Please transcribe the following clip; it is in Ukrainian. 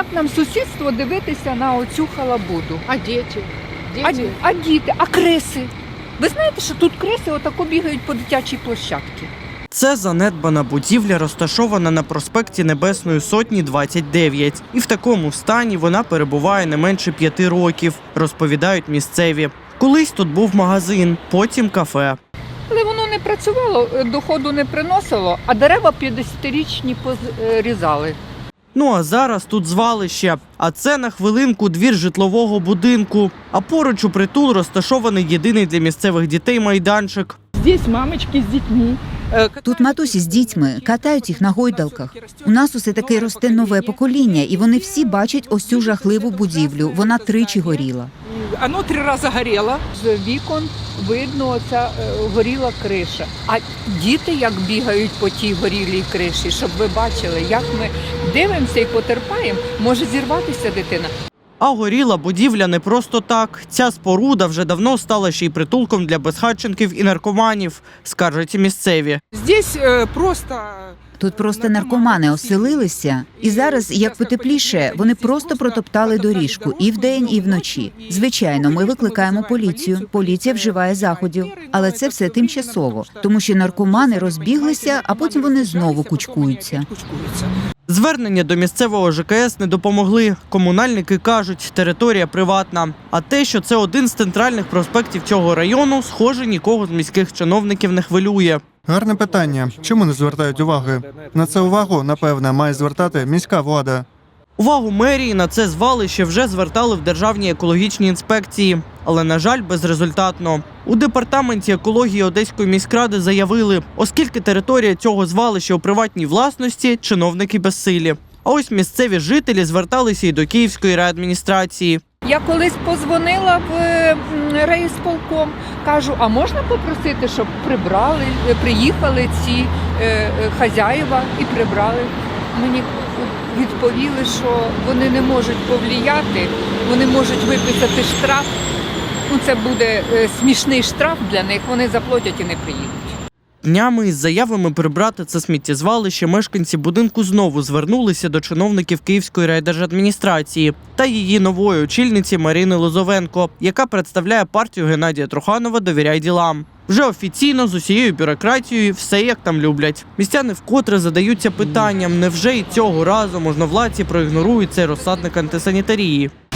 як нам сусідство дивитися на оцю халабуду? А діти? А діти, а криси? Ви знаєте, що тут криси отако бігають по дитячій площадці? Це занедбана будівля, розташована на проспекті Небесної Сотні, 29. І в такому стані вона перебуває не менше 5 років, розповідають місцеві. Колись тут був магазин, потім кафе. Але воно не працювало, доходу не приносило, а дерева 50-річні позрізали. Ну а зараз тут звалище. А це на хвилинку двір житлового будинку. А поруч у притул розташований єдиний для місцевих дітей майданчик. Здесь мамочки з дітьми. Тут матусі з дітьми катають їх на гойдалках. У нас усе таки росте нове покоління, і вони всі бачать ось цю жахливу будівлю. Вона тричі горіла. Воно 3 рази горіло. З вікон видно оця горіла криша. А діти як бігають по тій горілій криші, щоб ви бачили, як ми дивимося і потерпаємо, може зірватися дитина. А горіла будівля не просто так. Ця споруда вже давно стала ще й притулком для безхатченків і наркоманів, скаржать і місцеві. Здесь просто... Тут просто наркомани оселилися, і зараз, як потепліше, вони просто протоптали доріжку і вдень, і вночі. Звичайно, ми викликаємо поліцію, поліція вживає заходів, але це все тимчасово, тому що наркомани розбіглися, а потім вони знову кучкуються. Звернення до місцевого ЖКС не допомогли. Комунальники кажуть, територія приватна. А те, що це один з центральних проспектів цього району, схоже, нікого з міських чиновників не хвилює. Гарне питання. Чому не звертають уваги? На це увагу, напевне, має звертати міська влада. Увагу мерії на це звалище вже звертали в Державній екологічній інспекції. Але, на жаль, безрезультатно. У департаменті екології Одеської міськради заявили, оскільки територія цього звалища у приватній власності, чиновники безсилі. А ось місцеві жителі зверталися і до Київської райадміністрації. Я колись позвонила в райисполком, кажу, а можна попросити, щоб приїхали ці хазяїва і прибрали. Мені відповіли, що вони не можуть повлияти, вони можуть виписати штраф. Ну, це буде смішний штраф для них, вони заплатять і не приїдуть. Днями із заявами прибрати це сміттєзвалище мешканці будинку знову звернулися до чиновників Київської райдержадміністрації та її нової очільниці Марини Лозовенко, яка представляє партію Геннадія Труханова «Довіряй ділам». Вже офіційно з усією бюрократією все як там люблять. Містяни вкотре задаються питанням, невже і цього разу можновладці проігнорують цей розсадник антисанітарії.